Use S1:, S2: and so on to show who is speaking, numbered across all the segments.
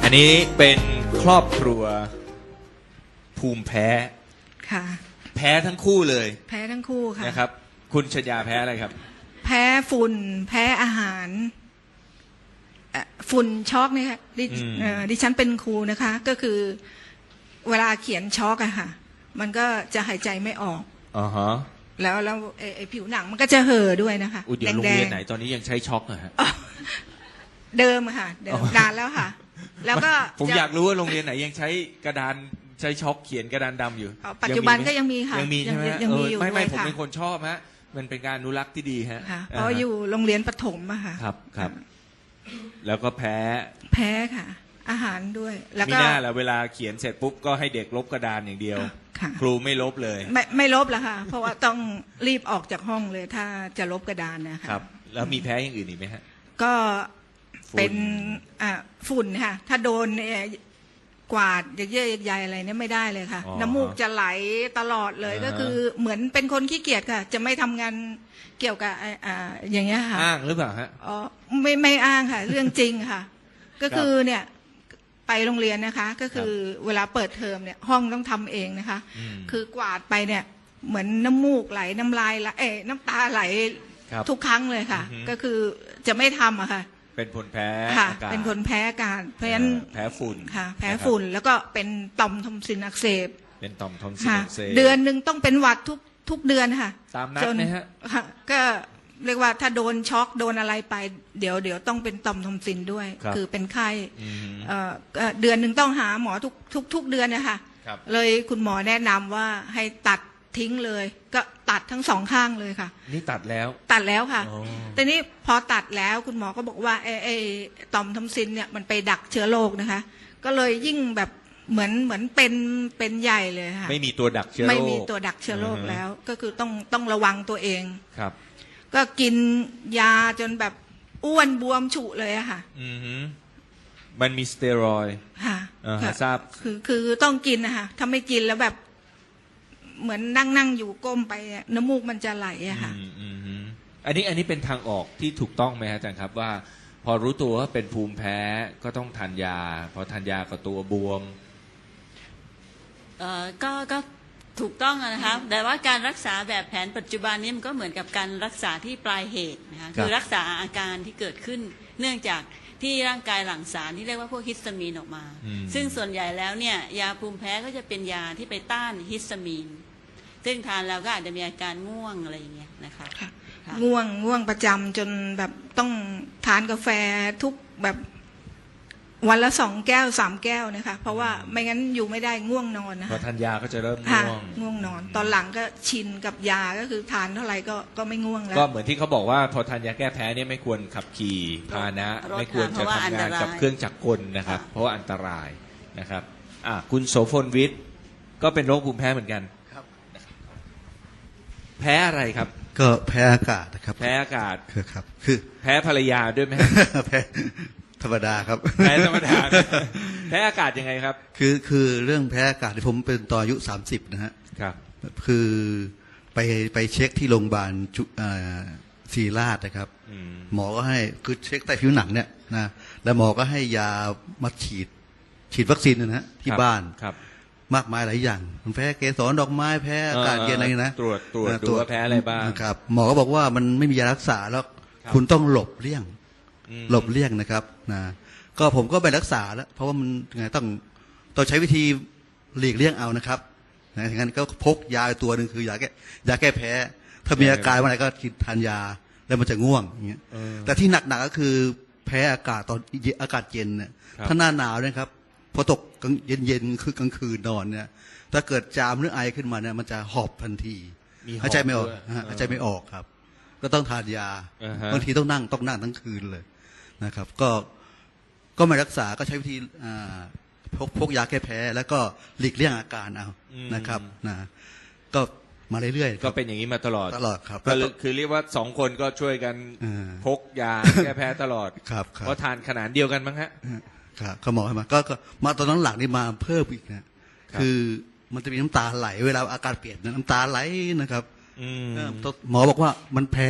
S1: อันนี้เป็นครอบครัวภูมิแพ้
S2: ค่ะ
S1: แพ้ทั้งคู่เลย
S2: แพ้ทั้งคู่ค่ะ
S1: นะครับ คุณชยาแพ้อะไรครับ
S2: แพ้ฝุ่นแพ้อาหารฝุ่นช็อกเนี่ยค่ะดิฉันเป็นครูนะคะ ก็คือเวลาเขียนช็อกอะค่ะ มันก็จะหายใจไม่ออก
S1: อ๋อฮะ
S2: แล้วไอ้ผิวหนังมันก็จะเห่อด้วยนะคะ
S1: อุยเดี๋ยวโรงเรียนไหนตอนนี้ยังใช้ช็อกเหรอฮะ
S2: เดิมอะค่ะเดิมนานแล้วค่ะ แล้วก็
S1: ผมอยากรู้ว่าโรงเรียนไหนยังใช้กระดานใช้ช็อกเขียนกระดานดำอยู่
S2: ปัจจุบันก็ยังมีค่ะ
S1: ยังมีใช่ไหม
S2: ยังมีอยู่
S1: ไม่
S2: ด้วย
S1: ผม
S2: ค่ะ
S1: เป็นคนชอบฮะมันเป็นการอนุรักษ์ที่ดีฮะ
S2: ค่ะเพราะอยู่โรงเรียนประถมอะค่ะ
S1: ครับครับ แล้วก็แพ้
S2: แพ้ค่ะ อาหารด้วย แล้ว
S1: มี
S2: ก็
S1: หน้าแหละเวลาเขียนเสร็จปุ๊บก็ให้เด็กลบกระดานอย่างเดียว
S2: ค่ะ
S1: ครูไม่ลบเลย
S2: ไม่ลบแล้วค่ะ เพราะว่าต้องรีบออกจากห้องเลยถ้าจะลบกระดานนะคะ
S1: ครับ แล้วมีแพ้อย่างอื่นอีกไหมฮะ
S2: ก็เป็น
S1: ฝุ่น
S2: ฝุ่นค่ะ ถ้าโดนกวาดเยอะๆใหญ่ๆอะไรเนี่ยไม่ได้เลยค่ะ
S1: อ๋อ
S2: น้ำมูกจะไหลตลอดเลย
S1: อ่าฮะ
S2: ก็คือเหมือนเป็นคนขี้เกียจค่ะ จะไม่ทำงานเกี่ยวกับอย่างเงี้ยค่ะ
S1: อ้างหรือเปล่าฮะ
S2: อ๋อไม่อ้างค่ะ เรื่องจริงค่ะ ก็คือเนี่ยไปโรงเรียนนะคะ ก็คือเวลาเปิดเทอมเนี่ยห้องต้องทำเองนะคะ
S1: อืม
S2: คือกวาดไปเนี่ยเหมือนน้ำมูกไหลน้ำลายไหลน้ำตาไหล
S1: ครับ
S2: ทุกครั้งเลยค่ะ
S1: อือฮึ
S2: ก็คือจะไม่ทำอะค่ะ
S1: เป็นผลแพ้
S2: ค่ะ
S1: อากาศ
S2: เป็นคนแพ้อากาศเพราะฉะนั้น
S1: แพ้ฝุ่น
S2: ค่ะ แพ้
S1: นะครับ
S2: ฝุ่นแล้วก็เป็นต่อมทอมซินอักเสบ
S1: เป็นต่อมทอนซิล
S2: ค่ะ
S1: อักเสบ
S2: เดือนหนึ่งต้องเป็นหวัดทุกเดือนค่ะ
S1: ตามนัด
S2: จน
S1: ไหมฮะ
S2: ค่ะก็เรียกว่าถ้าโดนช็อกโดนอะไรไปเดี๋ยวต้องเป็นต่อมทอมซินด้วย
S1: ครับ
S2: คือเป็นไข้
S1: อืม
S2: เดือนหนึ่งต้องหาหมอทุกเดือนนะคะ
S1: ครับ
S2: เลยคุณหมอแนะนำว่าให้ตัดทิ้งเลย ก็ตัดทั้งสองข้างเลยค่ะ
S1: นี่ตัดแล้ว
S2: ตัดแล้วค่ะ
S1: อ๋อ
S2: แต่นี้พอตัดแล้วคุณหมอก็บอกว่าไอ้ต่อมทอมซินเนี่ยมันไปดักเชื้อโรคนะคะ ก็เลยยิ่งแบบเหมือนเป็นใหญ่เลยค่ะ
S1: ไม่มีตัวดักเชื้อโรค
S2: ไม่มีตัวดักเชื้อโรคแล้ว ก็คือต้องระวังตัวเอง
S1: ครับ
S2: ก็กินยาจนแบบอ้วนบวมฉุเลยอะค่ะ
S1: อือฮึมันมีสเตียรอยด์
S2: ค่ะ
S1: ฮะทราบ
S2: คือต้องกินนะคะถ้าไม่กินแล้วแบบ เหมือนนั่งอยู่ก้มไปอะน้ำมูกมันจะไหลอะค่ะ
S1: อืมอันนี้เป็นทางออกที่ถูกต้องไหมฮะอาจารย์ครับว่า พอรู้ตัวว่าเป็นภูมิแพ้ก็ต้องทานยา พอทานยาก็ตัวบวม
S3: ก็ถูกต้องนะคะแต่ว่าการรักษาแบบแผนปัจจุบันนี้มันก็เหมือนกับการรักษาที่ปลายเหตุนะคะคือรักษาอาการที่เกิดขึ้น เนื่องจากที่ร่างกายหลั่งสารที่เรียกว่าพวกฮิสตามีนออกมา ซึ่งส่วนใหญ่แล้วเนี่ยยาภูมิแพ้ก็จะเป็นยาที่ไปต้านฮิสตามีน ซึ่งทานแล้วก็อาจจะมีอาการง่วงอะไรอย่างเงี้ยนะคะ
S2: ค่ะ
S3: ค่ะ
S2: ง่วงประจำจนแบบต้องทานกาแฟทุกแบบวันละ2 แก้ว 3 แก้วนะคะ เพราะว่าไม่งั้นอยู่ไม่ได้ง่วงนอนนะ
S1: พอ
S2: คะ
S1: ทานยาก็จะเริ่ม
S2: ค่ะ
S1: ง่วง
S2: ง่วงนอน ตอนหลังก็ชินกับยาก็คือทานเท่าไหร่ก็ไม่ง่วงแล้ว
S1: ก็เหมือนที่เขาบอกว่าพอทานยาแก้แพ้เนี่ยไม่ควรขับขี่พาหนะ ไม่ควรจะทำงานกับเครื่องจักรกลนะครับ เพราะว่าอันตรายนะครับคุณโสพลวิทย์ก็เป็นโรคภูมิแพ้เหมือนกัน
S4: ครับ
S1: แพ้อะไรครับ
S4: ก็แพ้อากาศนะครับ
S1: แพ้อากาศ
S4: ครับ คือ
S1: แพ้ภรรยาด้วยไหม
S4: แพ้ธรรมดาครับ
S1: แพ้ธรรมดา แพ้อากาศยังไงครับ
S4: คือเรื่องแพ้อากาศที่ผมเป็นตอนอายุ30นะฮะ
S1: ครับ
S4: คือไปเช็คที่โรงพยาบาลศิริราชนะครับ
S1: อืม
S4: หมอก็ให้คือเช็คใต้ผิวหนังเนี่ยนะแล้วหมอก็ให้ยามาฉีดวัคซีนนะฮะที่บ้าน
S1: ครับ
S4: มากมายหลายอย่างมันแพ้เกสรดอกไม้แพ้อากาศเย็นอะไรนะ
S1: ตรวจดูว่าแพ้อะไรบ้าง
S4: ครับหมอก็บอกว่ามันไม่มียารักษาแล้ว
S1: ครับ
S4: คุณต้องหลบเลี่ยง
S1: อืม
S4: หลบเลี่ยงนะครับนะก็ผมก็ไปรักษาแล้ว เพราะว่ามันไงต้องใช้วิธีหลีกเลี่ยงเอานะครับนะอย่างนั้นก็พกยาตัวหนึ่งคือยาแก้แพ้ ถ้ามีอาการวันไหนก็กินทานยาแล้วมันจะง่วงอย่างเงี้ย
S1: เออ
S4: แต่ที่หนักๆก็คือแพ้อากาศตอนอากาศเย็นเนี่ย
S1: ครับ
S4: ถ้าหน้าหนาวเนี่ยครับพอตกเย็นคือกลางคืนนอนเนี่ยถ้าเกิดจามหรือไอขึ้นมาเนี่ยมันจะหอบทันที
S1: มีหอบ
S4: หายใจไม่ออก
S1: ด้วย
S4: หายใจไม่ออกครับ ก็ต้องทานยา
S1: อ่าฮะ
S4: บางทีต้องนั่งทั้งคืนเลยนะครับ ก็ไม่รักษาก็ใช้วิธีพกยาแก้แพ้ แล้วก็หลีกเลี่ยงอาการเอานะครับนะก็มาเรื่อยๆค
S1: ก็
S4: รับ
S1: เป็นอย่างนี้มาตลอด
S4: ตลอดครับ
S1: ก็คือเรียกว่า2 คนก็ช่วยกัน
S4: อ่า
S1: พกยาแก้แพ้ตลอด
S4: ครับ
S1: เพราะทานขนาดเดียวกันมั้งฮะ
S4: ครับเขาหมอให้มาก็มาตอนนั้นหลังนี่มาเพิ่มอีกนะคือมันจะมีน้ำตาไหลเวลาอาการเปลี่ยนน้ำตาไหลนะครับ
S1: อืม
S4: หมอบอกว่ามันแพ้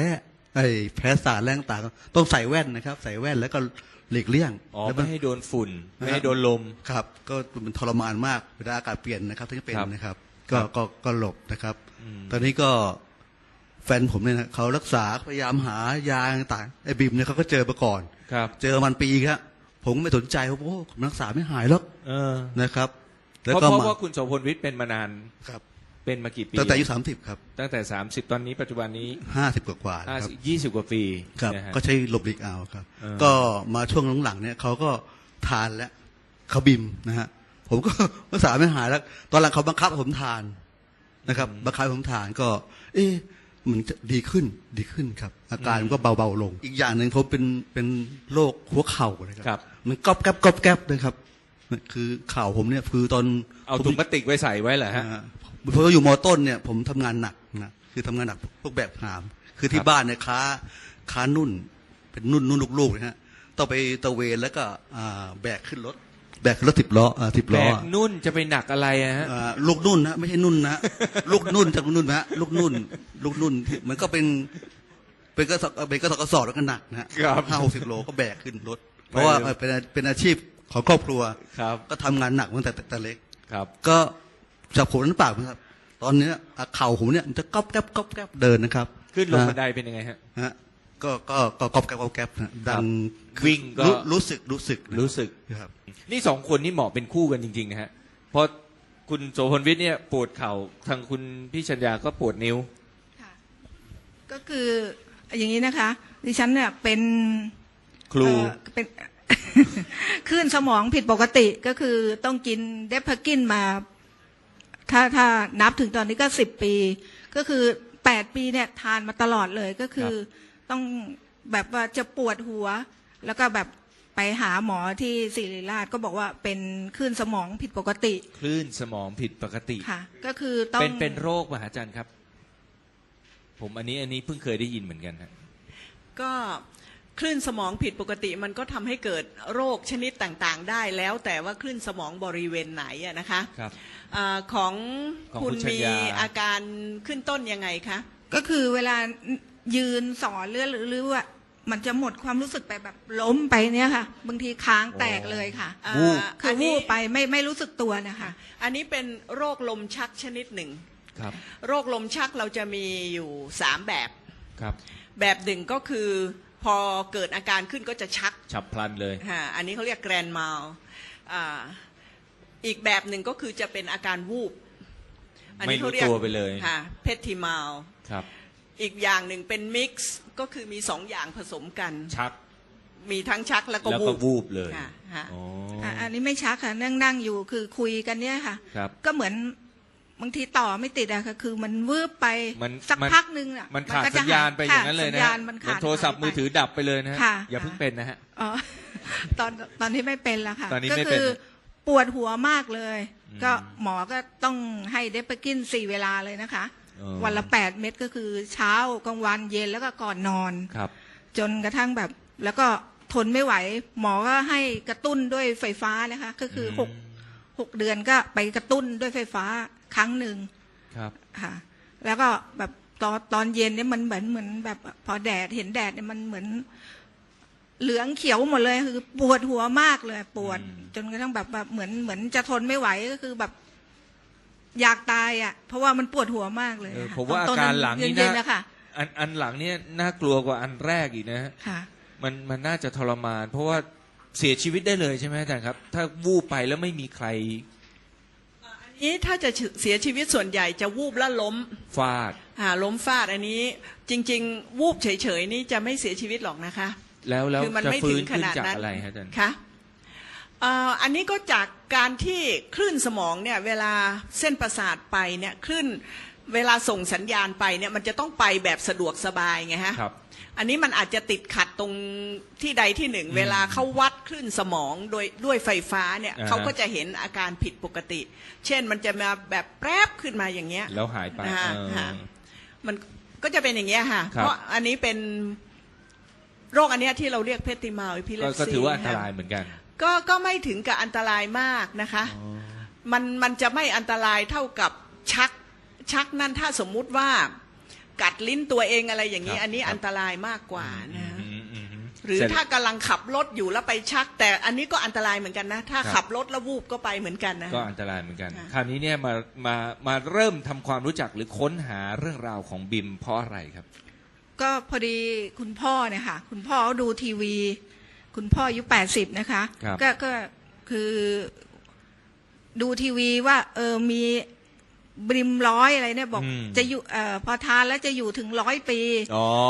S4: แพ้สารแรงต่างๆต้องใส่แว่นนะครับ ใส่แว่นแล้วก็หลีกเลี่ยง
S1: อ๋อ
S4: แล้ว
S1: ไม่ให้โดนฝุ่นไม่ให้โดนลม
S4: ครับ ก็มันทรมานมากเวลาอากาศเปลี่ยนนะครับที่เป็น
S1: ครับ
S4: นะครับ
S1: ครับ
S4: ก็หลบนะครับ
S1: อืม
S4: ตอนนี้ก็แฟนผมเนี่ยนะเขารักษาพยายามหายาต่างๆไอ้บิมเนี่ยเขาก็เจอมาก่อน
S1: ครับ
S4: เจอมันปีครับผมก็ไม่สนใจเพราะโอ้ผมรักษาไม่หายหรอก
S1: เออ
S4: นะครับ แล้ว
S1: เพราะ
S4: ก็
S1: เพราะ
S4: มา
S1: ว่าคุณโสพลวิทย์เป็นมานาน
S4: ครับ
S1: เป็นมากี่ปี
S4: ตั้งแต่อายุ30ครับ
S1: ตั้งแต่30ตอนนี้ปัจจุบันนี้
S4: 50กว่าๆนะครับ
S1: 20กว่าปี
S4: ครับ
S1: นะฮะ
S4: ก็ใช้หลบหลีกเอาครับ
S1: เออ
S4: ก็มาช่วงหลังๆเนี่ยเขาก็ทานแล้วเขาบิมนะฮะผมก็ รักษาไม่หายแล้ว ตอนหลังเขาบังคับให้ผมทานนะครับบังคับให้ผมทานก็ เอ๊ะมันจะดีขึ้นครับ อาการมันก็เบาๆลง อีกอย่างหนึ่งเขาเป็นโรคหัวเข่านะค
S1: ครั
S4: รับ มันก๊อบแก๊บนะครับคือเข่าผมเนี่ยคือตอน
S1: เอาถุงพลาสติกไว้ใส่ไว้เหรอฮะ
S4: พออยู่มอต้นเนี่ยผมทำงานหนักนะคือทำงานหนักพวกแบบหาม คือที่
S1: ครับ
S4: บ้านเนี่ยค้านุ่น เป็นนุ่นลูกๆนะฮะต้องไปตะเวนแล้วก็แบกขึ้นรถ10 ล้อ10
S1: แบ
S4: ล้อก
S1: นุ่นจะไปหนักอะไรอะฮะ
S4: ลูกนุ่นนะไม่ใช่นุ่นนะ ลูกนุ่นจากลูกนุ่นนะฮะลูกนุ่นที่มันก็เป็นกระสอบแล้วก็หนักนะฮะ
S1: ครับ
S4: 50-60 โลก็แบกขึ้นรถ เพราะว่าเป็นอาชีพของครอบครัว
S1: ครับ
S4: ก็ทำงานหนักตั้งแต่เล็ก
S1: ครับ
S4: ก็จากผมนั้นปากนะครับ ตอนเนี้ยเข่าผมเนี่ยมันจะก๊อบแก๊บเดินนะครับ
S1: ขึ้นลงบันไดเป็นยังไงฮะ
S4: ฮะก็ก๊อบแก๊บนะดัง
S1: วิ่งก็
S4: รู้สึกนะ
S1: รู้สึก
S4: ครับ
S1: นี่สองคนนี่เหมาะเป็นคู่กันจริงๆนะฮะเพราะคุณโสพลวิทย์เนี่ยปวดเข่าทางคุณพี่ชัญญาก็ปวดนิ้ว
S2: ค่ะก็คืออย่างนี้นะคะ ดิฉันเนี่ยเป็น
S1: ครู
S2: เป็น คลื่นสมองผิดปกติก็คือต้องกินเดพากินมา ถ้านับถึงตอนนี้ก็10 ปี ก็คือ8 ปีเนี่ยทานมาตลอดเลยก็คือต้องแบบว่าจะปวดหัว แล้วก็แบบไปหาหมอที่ศิริราชก็บอกว่าเป็นคลื่นสมองผิดปกติ
S1: คลื่นสมองผิดปกติ
S2: ค่ะ ก็คือต้อง
S1: เป็นโรคมหาจันครับ ผมอันนี้เพิ่งเคยได้ยินเหมือนกันฮะ
S5: ก็คลื่นสมองผิดปกติมันก็ทำให้เกิดโรคชนิดต่างๆ ได้แล้วแต่ว่าคลื่นสมองบริเวณไหนอะนะคะ
S1: ครับ
S5: ของ
S1: ของ
S5: คุ
S1: คุณ
S5: ณ
S1: ชัญ
S5: มี
S1: ญา
S5: อาการขึ้นต้นยังไงคะ
S2: ก็คือเวลายืนสอนหรือว่ามันจะหมดความรู้สึกไปแบบล้มไปเนี่ยค่ะ บางทีค้างแตกเลยค่ะ
S1: วูบ
S2: คือวูบไปไม่รู้สึกตัวนะคะ
S5: อันนี้เป็นโรคลมชักชนิดหนึ่ง
S1: ครับ
S5: โรคลมชักเราจะมีอยู่3แบบ
S1: ครับ
S5: แบบหนึ่งก็คือพอเกิดอาการขึ้นก็จะชัก
S1: ฉับพลันเลย
S5: อันนี้เขาเรียกแกรนมัลอีกแบบหนึ่งก็คือจะเป็นอาการวูบ
S1: ไม่รู้ตัวไปเลย
S5: เพททิมัล
S1: ครับ
S5: อีกอย่างหนึ่งเป็นมิกซ์ก็คือมี2 อย่างผสมกัน
S1: ชัก
S5: มีทั้งชักแล้วก็
S1: แล้ว
S5: วู
S1: ก็
S5: บ
S1: วูบเลย
S5: ค่ะฮะ
S1: อ๋อ
S2: อันนี้ไม่ชักค่ะนั่งอยู่คือคุยกันเนี่ยค่ะ
S1: ครับ
S2: ก็เหมือนบางทีต่อไม่ติดอะค่ะคือมันวืบไป
S1: มัน
S2: สัก
S1: มัน
S2: พักนึงอะ
S1: มันขาด
S2: ก็
S1: สั
S2: จะ
S1: ญญาณไปอย่างนั้นเลยนะ
S2: สัญ
S1: ฮะ
S2: ญาณมัน
S1: เหมื
S2: ขา
S1: อน
S2: ด
S1: โทรศัพท์
S2: หายไป
S1: มือถือดับไปเลยนะฮะ
S2: ค่ะ
S1: อย่าเพิ่งเป็นนะฮะ
S2: อ๋อ ตอนที่ไม่เป็นแล้วค่ะ
S1: ตอนนี้
S2: ก็
S1: ไม่เป็น
S2: คือปวดหัวมากเลย
S1: อืม
S2: ก็หมอก็ต้องให้เดปกิน4 เวลาเลยนะคะ
S1: อ๋อ
S2: วันละ8 เม็ดก็คือเช้ากลางวันเย็นแล้วก็ก่อนนอน
S1: ครับ
S2: จนกระทั่งแบบแล้วก็ทนไม่ไหว หมอก็ให้กระตุ้นด้วยไฟฟ้านะคะ ก็คือ6 เดือนก็ไปกระตุ้นด้วยไฟฟ้าครั้งหนึ่ง
S1: ครับ
S2: ค่ะ แล้วก็แบบตอนเย็นเนี่ยมันเหมือนแบบพอแดดเห็นแดดเนี่ยมันเหมือนเหลืองเขียวหมดเลยคือปวดหัวมากเลยปวด จนกระทั่งแบบเหมือนจะทนไม่ไหวก็คือแบบ อยากตายอ่ะ เพราะว่ามันปวดหัวมากเลย
S1: เออ
S2: ค่ะ
S1: ผมว่า
S2: ต
S1: อาการหลังนี่
S2: เย็น
S1: นะ
S2: ๆนะคะ
S1: อันหลังเนี่ยน่ากลัวกว่าอันแรกอีกนะฮะ
S2: ค่ะ
S1: มันน่าจะทรมาน เพราะว่าเสียชีวิตได้เลยใช่ไหมอาจารย์ครับ ถ้าวูบไปแล้วไม่มีใคร
S5: อันนี้ถ้าจะเสียชีวิตส่วนใหญ่จะวูบแล้วล้ม
S1: ฟาด
S5: ล้มฟาดอันนี้จริงๆ วูบเฉยๆนี่จะไม่เสียชีวิตหรอกนะคะ
S1: แล้ว
S5: คือมัน
S1: จะ
S5: ไม่
S1: ฟื้
S5: ถึ
S1: น
S5: งข
S1: ขึ้น
S5: นาด
S1: จาก
S5: นั้น
S1: อะไรฮะอาจารย์
S5: คะอันนี้ก็จากการที่คลื่นสมองเนี่ยเวลาเส้นประสาทไปเนี่ยคลื่นเวลาส่งสัญญาณไปเนี่ยมันจะต้องไปแบบสะดวกสบายไงฮะ
S1: ครับ
S5: อันนี้มันอาจจะติดขัดตรงที่ใดที่หนึ่งเวลาเขาวัดคลื่นสมองด้วยไฟฟ้าเนี่ย
S1: อ่าฮะ
S5: เขาก็จะเห็นอาการผิดปกติ เช่นมันจะมาแบบแปรบขึ้นมาอย่างเงี้ย
S1: แล้วหายไป
S5: ฮะ
S1: เออ
S5: ฮะมันก็จะเป็นอย่างเงี้ยค่ะ
S1: ครับ
S5: เพราะอันนี้เป็นโรคอันเนี้ยที่เราเรียกเพติมาอิพิเลปซี
S1: ก็ถือว่าอันตรายเหมือนกัน
S5: ก็ไม่ถึงกับอันตรายมากนะคะ มันจะไม่อันตรายเท่ากับชักนั่นถ้าสมมุติว่ากัดลิ้นตัวเองอะไรอย่างนี้
S1: ครับ
S5: อันนี้
S1: ครับ
S5: อันตรายมากกว่านะ
S1: อืม
S5: หรือ
S1: เสจ
S5: ถ้ากำลังขับรถอยู่แล้วไปชัก แต่อันนี้ก็อันตรายเหมือนกันนะ ถ้า
S1: ครับ
S5: ขับรถแล้ววูบก็ไปเหมือนกันนะ
S1: ก็อันตรายเหมือนกัน
S5: ค่ะ
S1: คราวนี้เนี่ยมาเริ่มทำความรู้จักหรือค้นหาเรื่องราวของบิมเพราะอะไรครับ
S2: ก็พอดีคุณพ่อเนี่ยค่ะคุณพ่อเขาดูทีวี คุณพ่ออายุ80นะคะ
S1: ครับ
S2: ก็คือดูทีวีว่ามีบริมร้อยอะไรเนี่ยบอกจะอยู่พอทานแล้วจะอยู่ถึง100 ปี
S1: อ๋อ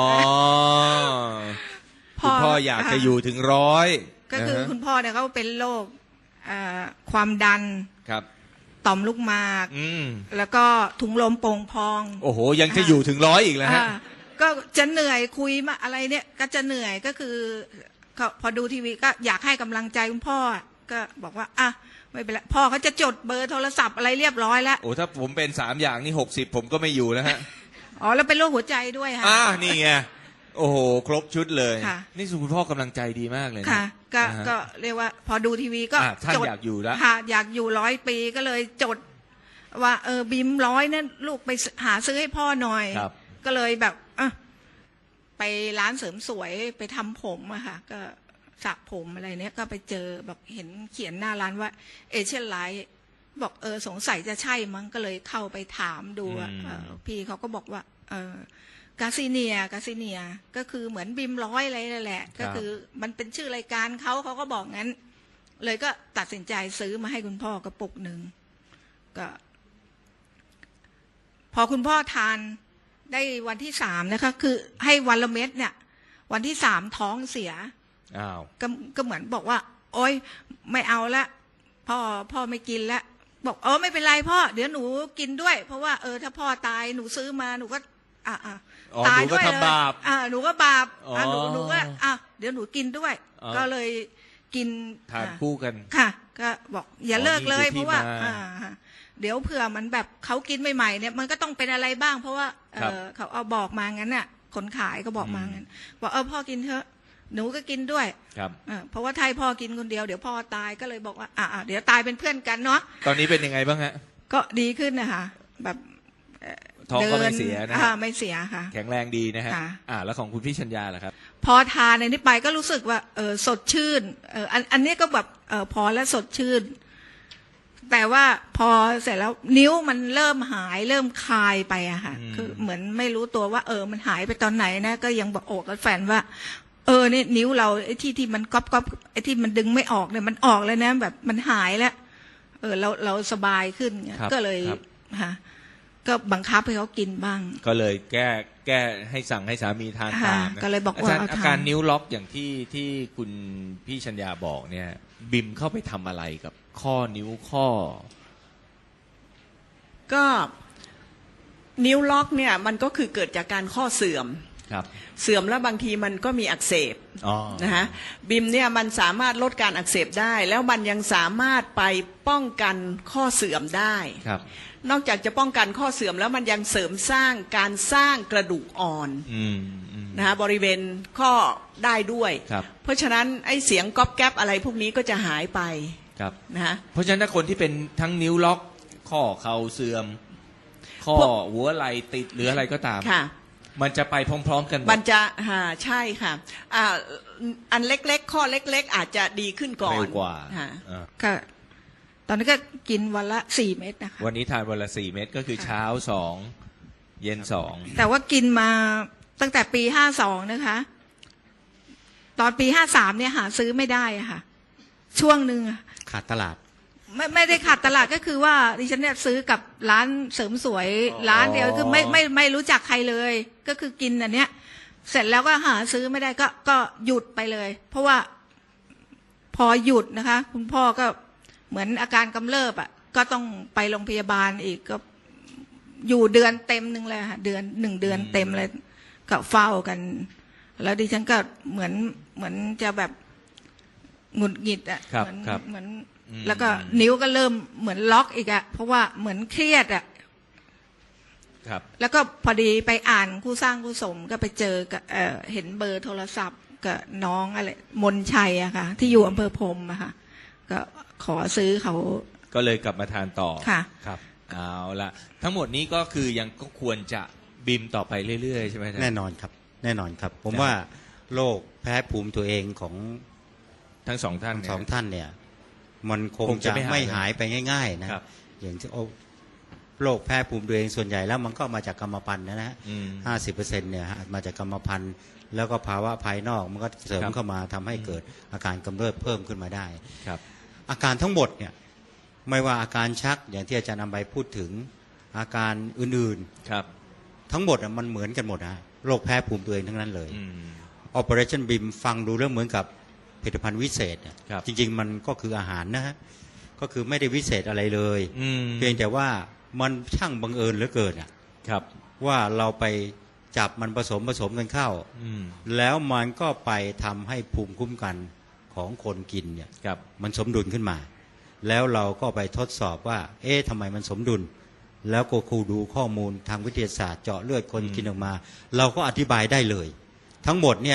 S1: คุณพ่ออยากจะอยู่ถึง100
S2: ก็คือ
S1: นะฮะ
S2: คุณพ่อเนี่ยเขาเป็นโรคความดัน
S1: ครับ
S2: ต่อมลูกหมาก
S1: อืม
S2: แล้วก็ถุงลมโป่งพอง
S1: โอ้โหยังจะอยู่ถึง100อีกแล้วฮะ
S2: ก็จะเหนื่อยคุยมาอะไรเนี่ยก็จะเหนื่อยก็คือพอดูทีวีก็อยากให้กำลังใจคุณพ่อก็บอกว่าอ่ะไม่เป็นไรพ่อเขาจะจดเบอร์โทรศัพท์อะไรเรียบร้อยแล้ว
S1: โอ้ถ้าผมเป็น3อย่างนี่60ผมก็ไม่อยู่แล้วฮะ
S2: อ๋อแล้วเป็นโรคหัวใจด้วยค่ะ
S1: นี่ไงโอ้โหครบชุดเลย
S2: ค่ะ
S1: นี่คุณพ่อกำลังใจดีมากเลยนะ
S2: ค่ะก็
S1: นะฮะ
S2: ก็เรียกว่าพอดูทีวีก็
S1: ท่าน
S2: จด
S1: อยากอยู่แล้ว
S2: ค่ะอยากอยู่100 ปีก็เลยจดว่าบิม100นั่นลูกไปหาซื้อให้พ่อหน่อย
S1: ครับ
S2: ก็เลยแบบไปร้านเสริมสวยไปทำผมอะค่ะก็สระผมอะไรเนี้ยก็ไปเจอแบบเห็นเขียนหน้าร้านว่าเอเชียนไลท์บอกสงสัยจะใช่มั้งก็เลยเข้าไปถามดูอะพี่เขาก็บอกว่ากาซิเนียก็คือเหมือนบิม100อะไรนั่นแหละก็คือมันเป็นชื่อรายการเขาก็บอกงั้น เลยก็ตัดสินใจซื้อมาให้คุณพ่อกระปุกหนึ่งก็ พอคุณพ่อทานได้วันที่3นะคะคือให้วันละเม็ดเนี่ย วันที่3ท้องเสีย
S1: อ้าว
S2: ก็เหมือนบอกว่า โอ๊ยไม่เอาละพ่อไม่กินละบอกไม่เป็นไรพ่อเดี๋ยวหนูกินด้วย เพราะว่าถ้าพ่อตายหนูซื้อมาหนูก็ตายด้วยเลย
S1: หนูก็ทำบาป
S2: หนูก็บาป
S1: อ๋อ
S2: หนูก็เดี๋ยวหนูกินด้วย ก็เลยกิน
S1: ทานคู่กัน
S2: ค่ะ ก็บอกอย่าเลิกเลย
S1: นี่คือที่
S2: เพราะว่า
S1: มา
S2: เดี๋ยวเผื่อมันแบบเขากินใหม่ๆเนี่ยมันก็ต้องเป็นอะไรบ้าง เพราะว่า
S1: ครับ
S2: เขาเอาบอกมางั้นน่ะคนขายก็บอกมางั้นบอกพ่อกินเถอะหนูก็กินด้วย
S1: ครับ
S2: เพราะว่าถ้าให้พ่อกินคนเดียวเดี๋ยวพ่อตายก็เลยบอกว่าเดี๋ยวตายเป็นเพื่อนกันเนาะ
S1: ตอนนี้เป็นยังไงบ้างฮะ
S2: ก็ดีขึ้นนะคะแบบ
S1: ท้องก็ไม่เสียนะฮะ
S2: ไม่เสียค่ะ
S1: แข็งแรงดีนะฮะ
S2: ค่ะ
S1: แล้วของคุณพี่ชัญญาล่ะครับ
S2: พอทานในนี้ไปก็รู้สึกว่าสดชื่นอันนี้ก็แบบพอแล้วสดชื่น แต่ว่าพอเสร็จแล้วนิ้วมันเริ่มหายเริ่มคลายไปอะค่ะ คือเหมือนไม่รู้ตัวว่ามันหายไปตอนไหนนะก็ยังบอกกับแฟนว่านี่นิ้วเราไอ้ที่มันก๊อบไอ้ที่มันดึงไม่ออกเนี่ยมันออกแล้วนะแบบมันหายแล้วเราสบายขึ้น
S1: ครับ
S2: ก็เลย
S1: ครับ
S2: ค่ะก็บังคับให้เขากินบ้าง
S1: ก็เลยแก้ให้สั่งให้สามีทานตามนะ
S2: ก็เลยบอกว่า
S1: จารย์
S2: เอาทาน
S1: อาการนิ้วล็อกอย่างที่คุณพี่ชัญญาบอกเนี่ย บิมเข้าไปทำอะไรกับข้อนิ้วข้อ
S5: ก็นิ้วล็อกเนี่ยมันก็คือเกิดจากการข้อเสื่อม
S1: ครับ
S5: เสื่อมแล้วบางทีมันก็มีอักเสบ
S1: อ๋อ
S5: นะคะบิมเนี่ยมันสามารถลดการอักเสบได้ แล้วมันยังสามารถไปป้องกันข้อเสื่อมได้
S1: ครับ
S5: นอกจากจะป้องกันข้อเสื่อมแล้วมันยังเสริมสร้างการสร้างกระดูกอ่อน
S1: อืม
S5: นะคะบริเวณข้อได้ด้วย
S1: ครับ
S5: เพราะฉะนั้นไอ้เสียงก๊อบแก๊บอะไรพวกนี้ก็จะหายไป
S1: ครับ
S5: นะคะ
S1: เพราะฉะนั้นถ้าคนที่เป็นทั้งนิ้วล็อกข้อเข่าเสื่อม ข้อหัวไหล่ติดหรืออะไรก็ตาม
S5: ค่ะ
S1: มันจะไปพร้อมๆกันหมด
S5: มันจะใช่ค่ะอันเล็กๆข้อเล็กๆอาจจะดีขึ้นก่อน
S1: เร็วกว่า
S5: ค่ะ
S2: ก็ตอนนี้ก็กินวันละ4 เม็ดนะคะ
S1: วันนี้ทานวันละ4 เม็ดก็คือเช้า2เย็น2
S2: แต่ว่ากินมาตั้งแต่ปี52นะคะ ตอนปี53เนี่ยหาซื้อไม่ได้อะค่ะ ช่วงหนึ่งอะ
S1: ขาดตลาด
S2: ไม่ได้ขาดตลาดก็คือว่าดิฉันเนี่ยซื้อกับร้านเสริมสวย
S1: อ๋อ
S2: ร้านเดียวคือไม่รู้จักใครเลย ก็คือกินอันเนี้ย เสร็จแล้วก็หาซื้อไม่ได้ก็หยุดไปเลย เพราะว่าพอหยุดนะคะ คุณพ่อก็เหมือนอาการกำเริบอ่ะก็ต้องไปโรงพยาบาลอีกก็อยู่เดือนเต็มหนึ่งเลยค่ะ1 เดือนเต็มเลยก็เฝ้ากัน แล้วดิฉันก็เหมือนจะแบบหงุดหงิดอ่ะ
S1: ครับ
S2: เหมือน
S1: อืม
S2: แล้วก็นิ้วก็เริ่มเหมือนล็อกอีกอ่ะเพราะว่าเหมือนเครียดอ่ะ
S1: ครับ
S2: แล้วก็พอดีไปอ่านคู่สร้างคู่สมก็ไปเจอกับเห็นเบอร์โทรศัพท์กับน้องอะไรมนชัยอะค่ะ ที่อยู่อำเภอพรมอะค่ะ ก็ขอซื้อเขา
S1: ก็เลยกลับมาทานต่อ
S2: ค่ะ
S1: ครับเอาละทั้งหมดนี้ก็คือยังก็ควรจะบีมต่อไปเรื่อยๆใช่ไหมอาจารย์
S6: แน่นอนครับแน่นอนครับ ผมว่าโรคแพ้ภูมิตัวเองของ
S1: ทั้งสองท่าน
S6: สองท่านเนี่ยมันคง
S1: คงจะ
S6: จะ
S1: ไม่หาย
S6: ไม่หายไปง่ายๆนะครับ อย่างที่โรคแพ้ภูมิตัวเองส่วนใหญ่แล้วมันก็มาจากกรรมพันธุ์นะฮะ
S1: อืม
S6: 50%เนี่ยมาจากกรรมพันธุ์แล้วก็ภาวะภายนอกมันก็เสริม
S1: ครับ
S6: เข้ามาทำให้เกิดอาการกำเริบเพิ่มขึ้นมาได้
S1: ครับ
S6: อาการทั้งหมดเนี่ยไม่ว่าอาการชักอย่างที่อาจารย์นำไปพูดถึงอาการอื่น
S1: ครับ
S6: ๆ ทั้งหมดมันเหมือนกันหมดนะโรคแพ้ภูมิตัวเองทั้งนั้นเลย
S1: อืม
S6: Operation BIM ฟังดูเรื่องเหมือนกับผลิตภัณฑ์วิเศษเนี่ย
S1: ครับ
S6: จริงๆมันก็คืออาหารนะฮะก็คือไม่ได้วิเศษอะไรเลย
S1: อืม
S6: เพียงแต่ว่ามันช่างบังเอิญเหลือเกินอะ
S1: ครับ
S6: ว่าเราไปจับมันผสมกันเข้า
S1: อืม
S6: แล้วมันก็ไปทำให้ภูมิคุ้มกันของคนกินเนี่ย
S1: ครับ
S6: มันสมดุลขึ้นมา แล้วเราก็ไปทดสอบว่า เอ๊ะทำไมมันสมดุล แล้วก็ครูดูข้อมูลทางวิทยาศาสตร์เจาะเลือดคนกินออกมา เราก็อธิบายได้เลย ทั้งหมดเนี่ย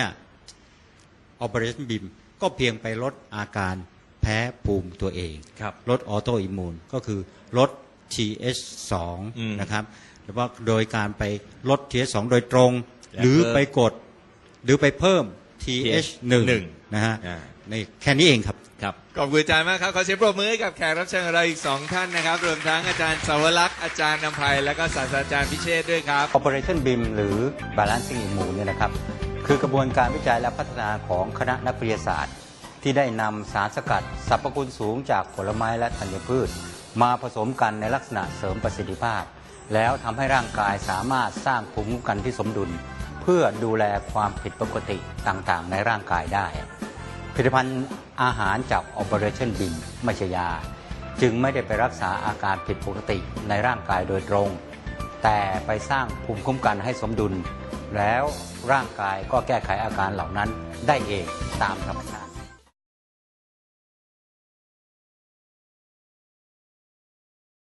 S6: Operation BIM ก็เพียงไปลดอาการแพ้ภูมิตัวเอง
S1: ครับ
S6: ลดออโตอิมมูนก็คือลด TH2
S1: อืม
S6: นะครับหรือว่าโดยการไปลด TH2 โดยตรง
S1: และ
S6: หรือ
S1: เพิ่ม
S6: ไปกดหรือไปเพิ่ม TH1 นะฮะ
S1: อ่า
S6: ในแค่นี้เองครับ
S1: ครับขอบคุณอาจารย์มากครับขอเสียงปรบมือให้กับแขกรับเชิญของเราอีก2ท่านนะครับรวมทั้งอาจารย์สาวรักษ์อาจารย์นำภัยและก็ศาสตราจารย์พิเชษฐ์ด้วยครับ
S6: Operation BIM หรือ Balancing Immune เนี่ยนะครับคือกระบวนการวิจัยและพัฒนาของคณะนักวิทยาศาสตร์ ที่ได้นำสารสกัดสรรพคุณสูงจากผลไม้และธัญพืช มาผสมกันในลักษณะเสริมประสิทธิภาพ แล้วทำให้ร่างกายสามารถสร้างภูมิคุ้มกันที่สมดุล เพื่อดูแลความผิดปกติต่างๆ ในร่างกายได้ ผลิตภัณฑ์อาหารจาก Operation BIM ไม่ใช่ยา จึงไม่ได้ไปรักษาอาการผิดปกติในร่างกายโดยตรง แต่ไปสร้างภูมิคุ้มกันให้สมดุล แล้วร่างกายก็แก้ไขอาการเหล่านั้นได้เองตามธรรมชาติ